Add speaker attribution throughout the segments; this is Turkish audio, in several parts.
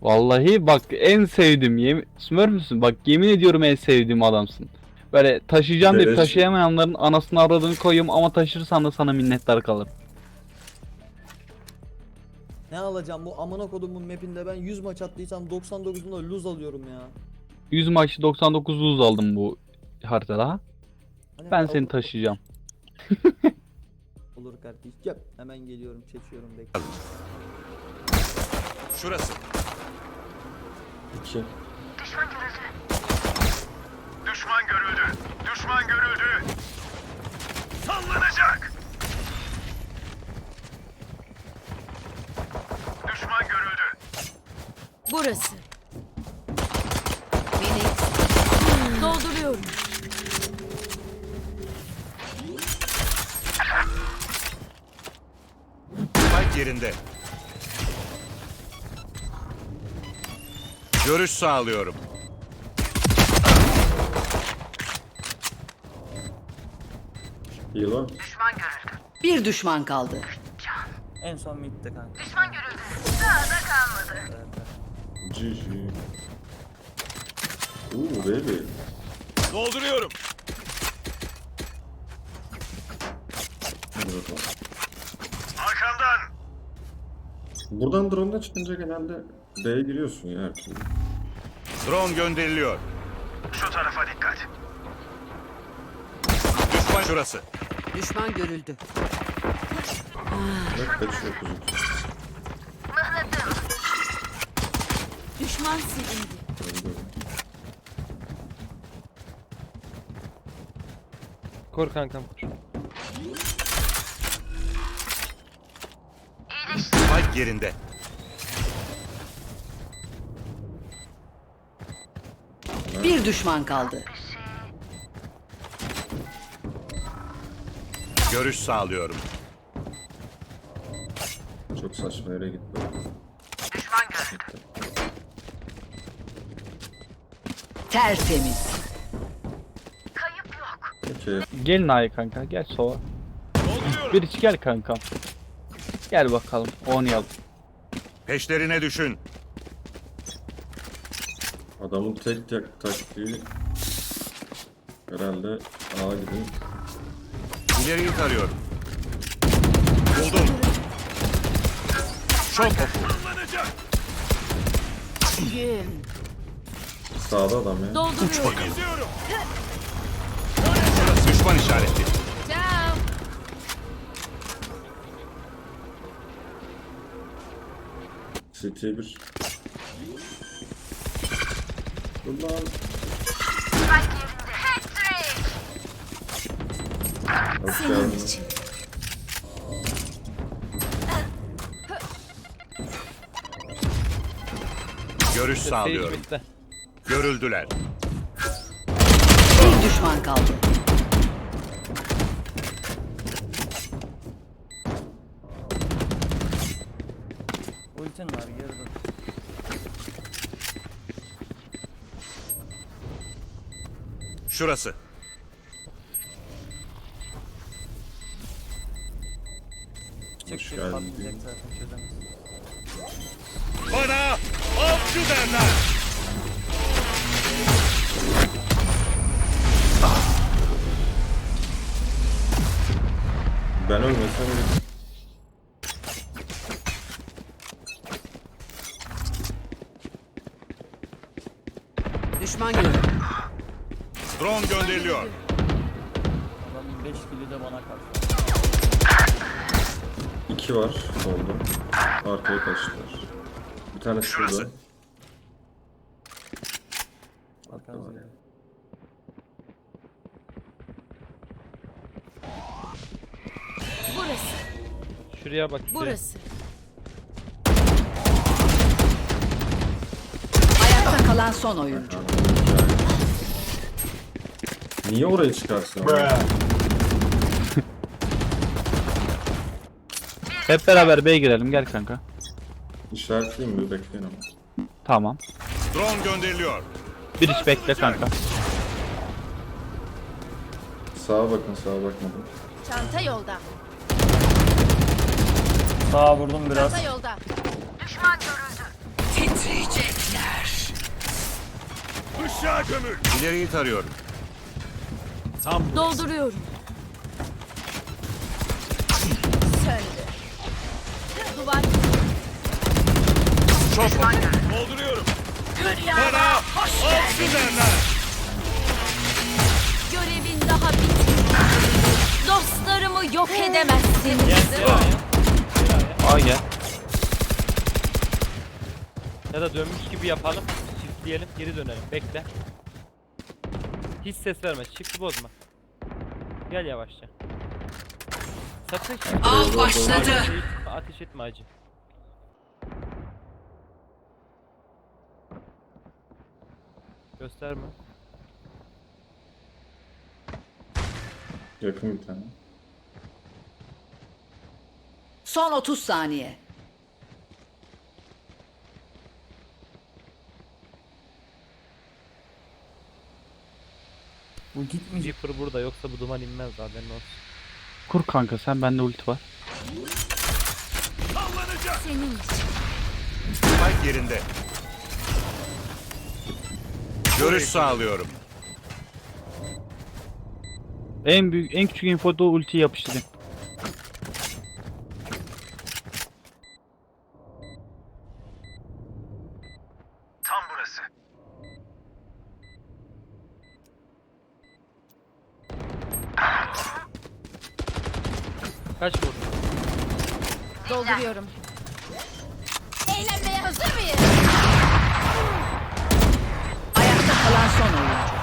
Speaker 1: Vallahi bak en sevdiğim Smurf müsün? Bak yemin ediyorum en sevdiğim adamsın. Böyle taşıyacağım deyip
Speaker 2: Beleş.
Speaker 1: taşıyamayanların anasını avradını koyayım ama taşırsan da sana minnettar kalırım.
Speaker 3: Ne alacağım bu amına kodumun mapinde ben 100 maç attıysam 99'unda lose alıyorum ya.
Speaker 1: 100 maçı 99 lose aldım bu haritada.
Speaker 3: Hani
Speaker 1: Ben seni taşıyacağım.
Speaker 3: Olur kardeşim. Hemen geliyorum, çekiyorum bekle.
Speaker 4: Şurası.
Speaker 2: 2.
Speaker 4: Düşman görüldü. Düşman görüldü. Sallanacak. Düşman görüldü.
Speaker 5: Burası. Phoenix. Dolduruyorum.
Speaker 4: Spike yerinde. Görüş sağlıyorum.
Speaker 2: Heal var.
Speaker 6: Bir düşman kaldı.
Speaker 3: En son midde kanka.
Speaker 2: GG. Baby.
Speaker 4: Dolduruyorum.
Speaker 2: Hadi bakalım.
Speaker 4: Arkamdan.
Speaker 2: Buradan drone'da çıkınca genelde B'ye giriyorsun ya her türlü.
Speaker 4: Drone gönderiliyor. Şu tarafa dikkat. Düşman şurası.
Speaker 6: Düşman görüldü.
Speaker 2: Bak kaçıyor kuzu.
Speaker 5: Düşman silindi.
Speaker 2: Öldü.
Speaker 7: Kor kankam kor.
Speaker 4: Spike yerinde.
Speaker 6: Bir düşman kaldı.
Speaker 4: Görüş sağlıyorum.
Speaker 2: Çok saçma yere gitti.
Speaker 6: Tertemiz.
Speaker 2: Peki.
Speaker 1: Gelin ay kanka gel sova. Bir iç gel kankam. Gel bakalım oynayalım.
Speaker 4: Peşlerine düşün.
Speaker 2: Adamın tek taktiği herhalde A'ya gidin.
Speaker 4: İleriyi tarıyorum. Buldum. Şok oku.
Speaker 5: Gün.
Speaker 2: Sağda adam ya.
Speaker 5: Dolduruyorum.
Speaker 4: Düşman işareti.
Speaker 5: Ciao.
Speaker 2: CT 1. Ulan. Hoş geldin.
Speaker 4: Görüş
Speaker 7: Sage
Speaker 4: sağlıyorum.
Speaker 7: bitti.
Speaker 4: Görüldüler.
Speaker 6: Bir düşman kaldı.
Speaker 3: Ultin var geri dön.
Speaker 4: Şurası.
Speaker 3: Çık
Speaker 2: Hoş
Speaker 3: çık
Speaker 2: geldin.
Speaker 3: patlayacak zaten çözemez.
Speaker 4: Bana avcı derler.
Speaker 2: Ben ölmesem öyle.
Speaker 6: Düşman görüldü.
Speaker 4: Drone gönderiliyor.
Speaker 3: Adamın 5 kili de bana karşı.
Speaker 2: 2 var solda. Arkaya kaçtılar. Bir tane şurada.
Speaker 4: Şurası.
Speaker 3: Arkanızda.
Speaker 5: Burası.
Speaker 7: Şuraya bak şuraya.
Speaker 5: Burası.
Speaker 6: Ayakta kalan son oyuncu.
Speaker 2: Niye oraya çıkarsın?
Speaker 1: Hep beraber B'ye girelim gel kanka.
Speaker 2: İşaretleyeyim mi? Bekleyin ama.
Speaker 1: Tamam.
Speaker 4: Drone gönderiliyor.
Speaker 1: Bir iç bekle kanka.
Speaker 2: Sağa bakın, sağa bakmadım.
Speaker 5: Çanta yolda.
Speaker 3: Sağa vurdum biraz.
Speaker 5: Çanta yolda.
Speaker 6: Titriyecek.
Speaker 4: Aşağı gömül. İleriyi tarıyorum.
Speaker 5: Dolduruyorum. Söndü. Duvar.
Speaker 4: Çok oku. Dolduruyorum. Bana avcı derler.
Speaker 5: Görevin daha bitmedi. Dostlarımı yok edemezsiniz.
Speaker 1: Aa gel.
Speaker 7: Ya da dönmüş gibi yapalım. Shiftleyelim, geri dönelim. Bekle. Hiç ses verme. Shift'i bozma. Gel yavaşça. Sakın shift'i
Speaker 6: Av başladı.
Speaker 7: ateş etme acı. Gösterme.
Speaker 2: Yakın bir tane.
Speaker 6: Son 30 saniye.
Speaker 3: Bu gitmeyecek.
Speaker 7: Reaper burada, yoksa bu duman inmez daha, haberin olsun.
Speaker 1: Kur kanka sen, bende ulti var.
Speaker 4: Sallanacak.
Speaker 5: Senin için.
Speaker 4: Spike yerinde. Görüş sağlıyorum.
Speaker 1: En küçük infoda ultiyi yapıştırayım.
Speaker 4: Tam burası.
Speaker 7: Kaç vurdun?
Speaker 5: Dolduruyorum. Eğlenmeye hazır mıyız?
Speaker 6: Ayakta kalan son oyuncu.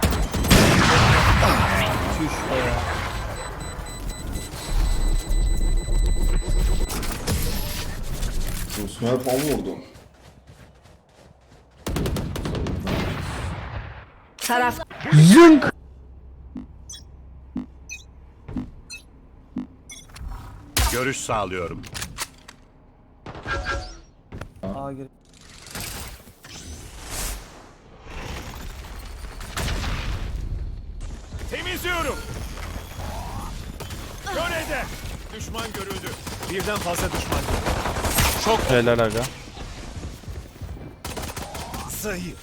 Speaker 3: Çüş be ya.
Speaker 2: Smurf 10 vurdu.
Speaker 6: Taraf
Speaker 4: Görüş sağlıyorum.
Speaker 3: Aa gir.
Speaker 4: Temizliyorum. Görevde. Düşman görüldü. Birden fazla düşman görüldü. Çok
Speaker 1: Helal aga.
Speaker 4: zayıf.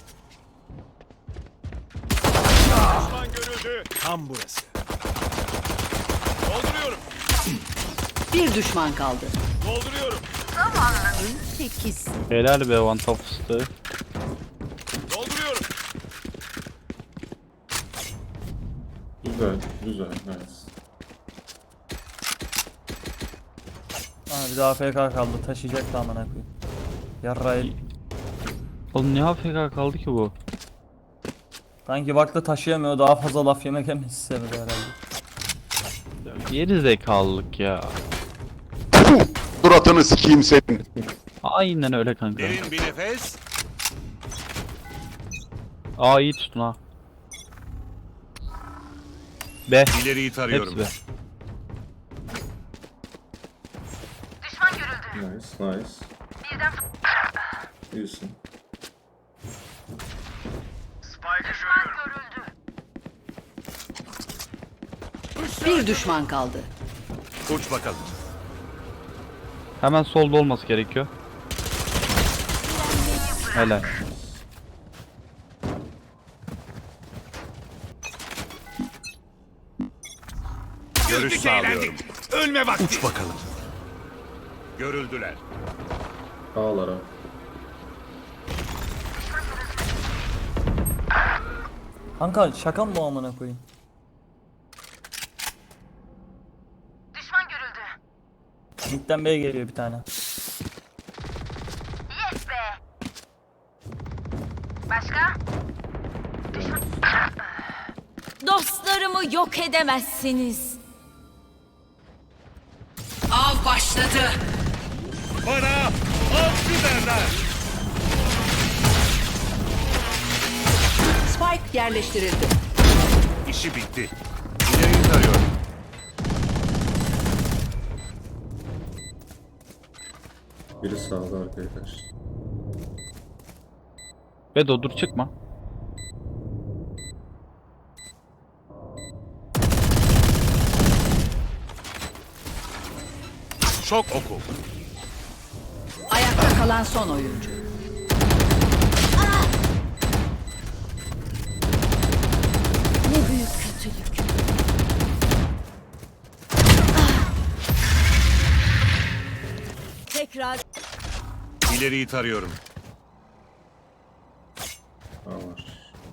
Speaker 4: Düşman görüldü. Tam burası. Dolduruyorum.
Speaker 6: bir düşman kaldı.
Speaker 4: Dolduruyorum.
Speaker 6: Sekiz.
Speaker 1: Helal be one top fıstığı.
Speaker 4: Dolduruyorum.
Speaker 2: Güzel, güzel. Nice.
Speaker 3: Aa bir daha AFK kaldı. Taşıyacak da amına koyayım. Yarrayı.
Speaker 1: Oğlum ne AFK kaldı ki bu?
Speaker 3: Sanki baktı taşıyamıyor. Daha fazla laf yemek emesi istemedi herhalde.
Speaker 1: Geri zekalılık ya.
Speaker 8: Suratını sikeyim senin.
Speaker 1: Aynen öyle kanka.
Speaker 4: Derin bir nefes.
Speaker 1: Aa iyi tutun ha. B.
Speaker 4: İleriyi tarıyorum.
Speaker 1: Hepsi B.
Speaker 2: Nice, nice. İyisin.
Speaker 6: Bir düşman kaldı.
Speaker 4: Uç bakalım.
Speaker 1: Hemen solda olması gerekiyor. Helal.
Speaker 4: Görüş sağlıyorum. Ölme vakti. Uç bakalım. Görüldüler.
Speaker 2: Ağlara.
Speaker 3: Kanka şaka mı bu amına koyayım? Düşman görüldü. Mid'den B'ye geliyor bir tane.
Speaker 5: Dostlarımı yok edemezsiniz.
Speaker 6: Av başladı.
Speaker 4: Bana avcı derler.
Speaker 6: Spike yerleştirildi.
Speaker 4: İşi bitti. İleriyi tarıyorum.
Speaker 2: Biri sağda arkaya kaçtı.
Speaker 1: Bedo dur çıkma.
Speaker 4: Şok oku.
Speaker 6: Ayakta kalan son oyuncu.
Speaker 8: İleriyi tarıyorum.
Speaker 2: A var.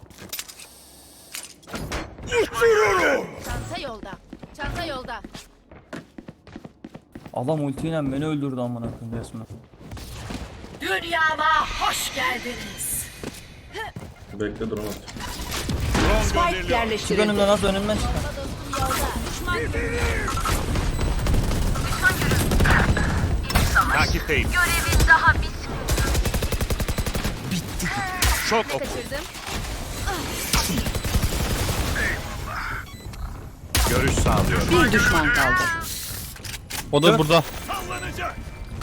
Speaker 5: Çanta yolda. Çanta yolda.
Speaker 3: Adam ultiyle beni öldürdü amına koyayım resmen.
Speaker 6: Dünyama hoş geldiniz.
Speaker 2: Bekle drone at.
Speaker 8: Drone
Speaker 6: Spike
Speaker 8: gönderiliyor.
Speaker 3: Çık
Speaker 6: yerleştirildi.
Speaker 3: önümden az önümden çık.
Speaker 5: Düşman görüldü.
Speaker 8: Takipteyim.
Speaker 5: Görevin daha bitmedi.
Speaker 8: Çok oku.
Speaker 5: Kaçırdım.
Speaker 8: Görüş sağlıyorum.
Speaker 6: Bir düşman kaldı.
Speaker 1: O da burada.
Speaker 4: Sallanacak.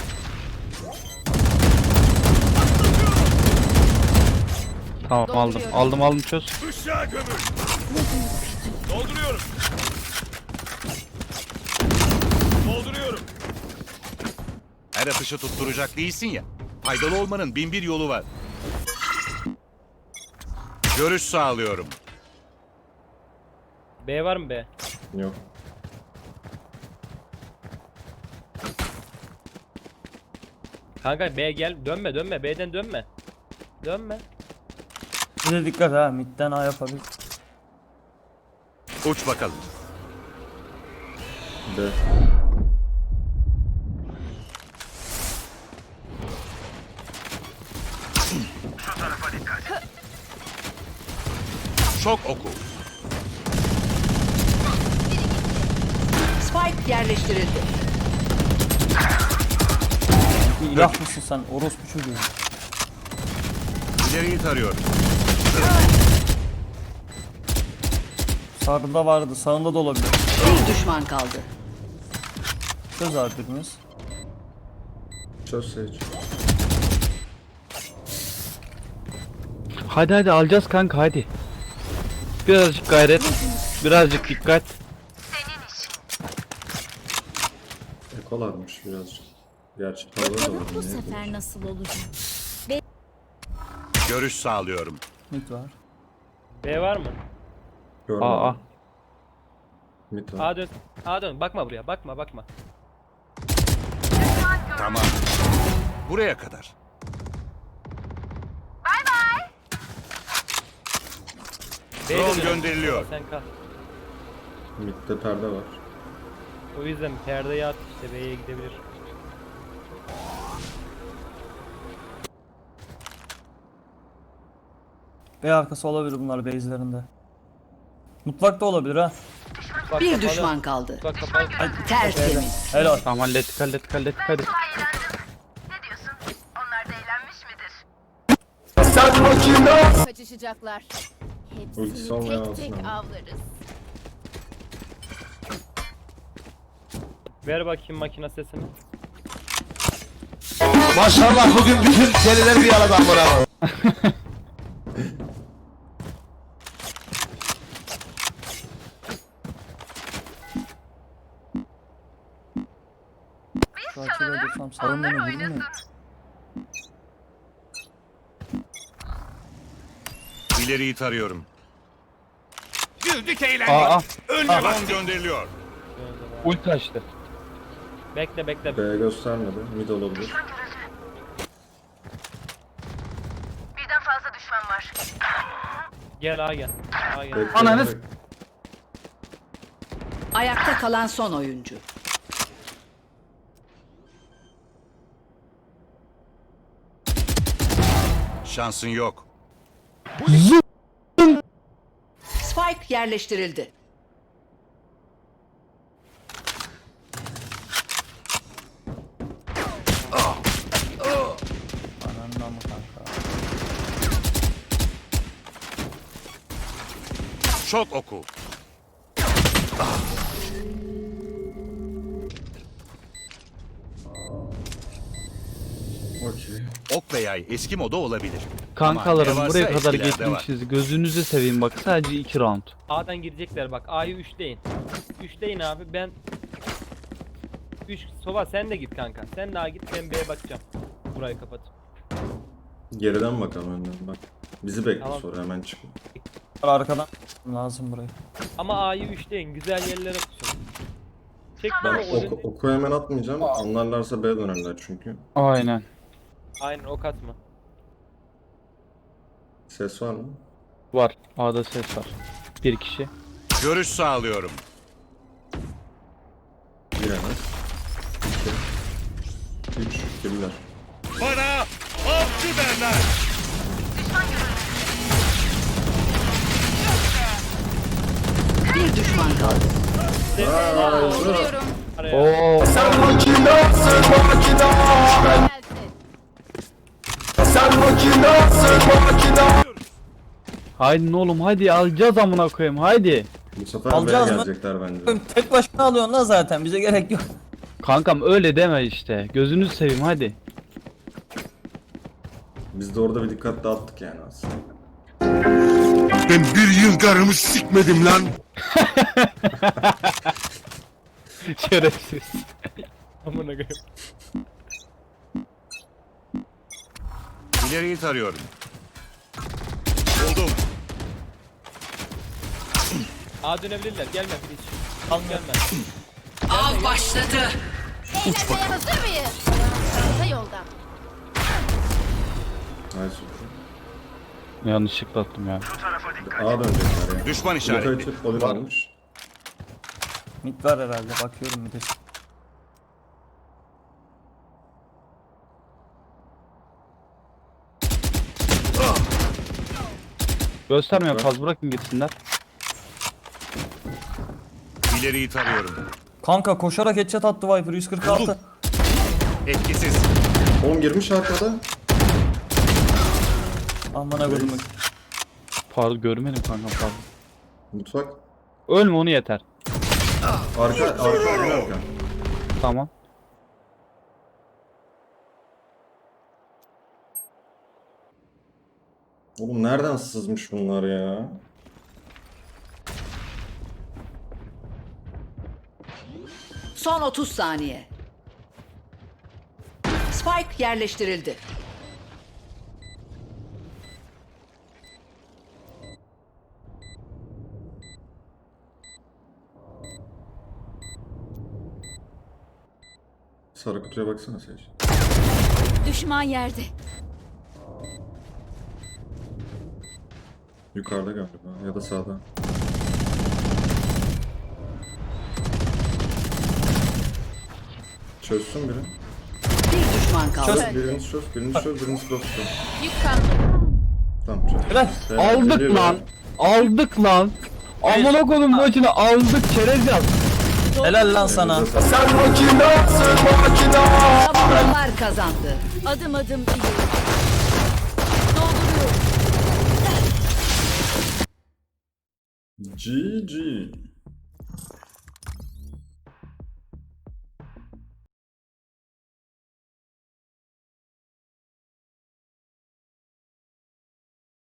Speaker 1: Tamam aldım. Aldım çöz.
Speaker 4: Işığa gömül. Dolduruyorum. Dolduruyorum.
Speaker 8: Her atışı tutturacak değilsin ya. Faydalı olmanın bin bir yolu var. Görüş sağlıyorum.
Speaker 7: B var mı B?
Speaker 2: Yok.
Speaker 7: Kanka B gel. Dönme dönme. B'den dönme. Dönme.
Speaker 3: Bir de dikkat ha, midden A yapabilir.
Speaker 8: Uç bakalım.
Speaker 2: B.
Speaker 8: Çok oku.
Speaker 6: Spike yerleştirildi.
Speaker 3: Bir ilah mısın sen orospu çocuğu?
Speaker 8: İleriyi tarıyorum.
Speaker 3: Sağında vardı, sağında da olabilir.
Speaker 6: Bir düşman kaldı.
Speaker 3: Söz abi birimiz.
Speaker 2: Çöz Sage.
Speaker 1: Hadi alacağız kanka hadi. Birazcık gayret. Birazcık dikkat.
Speaker 2: Ekolarmış birazcık. Gerçi tavır da var.
Speaker 5: Bakalım bu
Speaker 2: ne
Speaker 5: sefer
Speaker 2: yapayım?
Speaker 5: nasıl olacak?
Speaker 8: Görüş sağlıyorum.
Speaker 3: Mid var.
Speaker 7: B var mı?
Speaker 2: Görmedim.
Speaker 1: Aa.
Speaker 2: Mid var.
Speaker 7: A dön. A dön. Bakma buraya. Bakma.
Speaker 8: Tamam. Buraya kadar.
Speaker 7: B'ye
Speaker 8: Drone
Speaker 7: dön.
Speaker 8: gönderiliyor.
Speaker 7: Sen kal.
Speaker 2: Mid'de perde var.
Speaker 7: O yüzden perdeyi at işte B'ye gidebilir.
Speaker 3: B arkası olabilir bunlar base'lerinde. Mutfakta olabilir ha.
Speaker 7: Bak,
Speaker 6: Bir
Speaker 7: kapalı.
Speaker 6: düşman kaldı.
Speaker 7: Bak kapalı.
Speaker 6: Tertemiz.
Speaker 3: Helal.
Speaker 1: Tamam hallettik hadi.
Speaker 5: Kaçışacaklar.
Speaker 2: Ultisi
Speaker 5: Hepsini
Speaker 2: olmayan
Speaker 5: tek
Speaker 2: olsun
Speaker 5: tek
Speaker 2: ama.
Speaker 5: avlarız.
Speaker 7: Ver bakayım makine sesini.
Speaker 9: Maşallah bugün bütün seriler bir aradan bravo.
Speaker 3: Şu açıda dursam sarın beni vurdu mu?
Speaker 8: İleriyi tarıyorum. Güldük eğlendik.
Speaker 1: Aa.
Speaker 8: Drone gönderiliyor.
Speaker 1: Ulti açtı.
Speaker 7: Bekle.
Speaker 2: B göstermedi. Mid olabilir.
Speaker 7: Gel A gel. A gel.
Speaker 2: Bekle,
Speaker 1: Ananı
Speaker 2: bekle.
Speaker 6: Ayakta kalan son oyuncu.
Speaker 8: Şansın yok.
Speaker 6: Spike yerleştirildi.
Speaker 3: Anandan mı kanka?
Speaker 8: Çok oku.
Speaker 2: Okey.
Speaker 8: Ok ve yay eski moda olabilir.
Speaker 1: Kankalarım
Speaker 8: Ama ne
Speaker 1: buraya
Speaker 8: varsa
Speaker 1: kadar
Speaker 8: eskilerde var.
Speaker 1: getirmişiz. Gözünüzü seveyim bak sadece 2 round.
Speaker 7: A'dan girecekler bak. A'yı 3'leyin. 3'leyin abi. Ben 3 Sova sen de git kanka. Sen de A git, ben B'ye bakacağım. Burayı kapat.
Speaker 2: Geriden bakalım önden bak. Bizi bekle
Speaker 7: Tamam.
Speaker 2: sonra hemen çıkın.
Speaker 3: Arkadan lazım burayı.
Speaker 7: Ama A'yı 3'leyin. Güzel yerlere tutun. Çek
Speaker 2: Ben
Speaker 7: bana o
Speaker 2: oku hemen atmayacağım. Anlarlarsa B dönerler çünkü.
Speaker 1: Aynen.
Speaker 7: Aynen ok atma.
Speaker 2: Ses var mı?
Speaker 1: Var. A'da ses var. Bir kişi.
Speaker 8: Görüş sağlıyorum.
Speaker 2: Giremez. 2 3 girdiler.
Speaker 8: Bana avcı derler.
Speaker 6: Bir düşman kaldı.
Speaker 5: Dolduruyorum.
Speaker 1: Oo. Haydi oğlum hadi alacağız amına koyayım haydi.
Speaker 2: Bu sefer
Speaker 3: Alacağız
Speaker 2: B'ye
Speaker 3: mı?
Speaker 2: gelecekler bence.
Speaker 3: Tek başına alıyorsun lan zaten. Bize gerek yok.
Speaker 1: Kankam öyle deme işte. Gözünü seveyim hadi.
Speaker 2: Biz de orada bir dikkat dağıttık yani aslında.
Speaker 9: Ben bir yıl karımı sikmedim lan.
Speaker 1: Şerefsiz.
Speaker 7: Amına koyayım.
Speaker 8: İleriyi tarıyorum. Buldum.
Speaker 7: A dönebilirler. Gelme hiç.
Speaker 3: Al
Speaker 7: Gelme.
Speaker 6: Av başladı.
Speaker 5: Eğlenmeye hazır mıyız? Çanta yolda.
Speaker 2: Hayır.
Speaker 1: Yanlışlıkla attım ya.
Speaker 2: Ağa dönecekler ya.
Speaker 8: Düşman
Speaker 2: Blok
Speaker 8: işareti.
Speaker 2: açıp oyun almış.
Speaker 3: Mid var herhalde. Bakıyorum bir de.
Speaker 1: Göstermiyorum fazla bırakın gitsinler.
Speaker 8: İleriyi tarıyorum.
Speaker 3: Kanka koşarak headshot attı Viper 146.
Speaker 8: Etkisiz.
Speaker 2: 10 girmiş arkada.
Speaker 3: Amına koydum.
Speaker 1: Pardon görmedim kankam pardon.
Speaker 2: Mutfak.
Speaker 1: Ölme onu yeter.
Speaker 2: Arka.
Speaker 1: Tamam.
Speaker 2: Oğlum nereden sızmış bunlar ya?
Speaker 6: Son 30 saniye. Spike yerleştirildi.
Speaker 2: Sarı kutuya baksana Sage.
Speaker 5: Düşman yerde.
Speaker 2: Yukarıda galiba ya da sağda. Çözsün biri.
Speaker 6: Bir düşman kaldı.
Speaker 2: Biriniz çöz, biriniz cross çöz.
Speaker 5: Yük kaldı.
Speaker 2: Tamam çöz.
Speaker 3: Helal.
Speaker 1: Aldık
Speaker 2: Geliyor
Speaker 1: lan.
Speaker 2: ya.
Speaker 1: Aldık lan. Amına koydum maçını aldık çerez yaz.
Speaker 3: Helal lan sana.
Speaker 6: Savunucular kazandı.
Speaker 5: Adım adım ileri. Dolduruyorum.
Speaker 2: GG.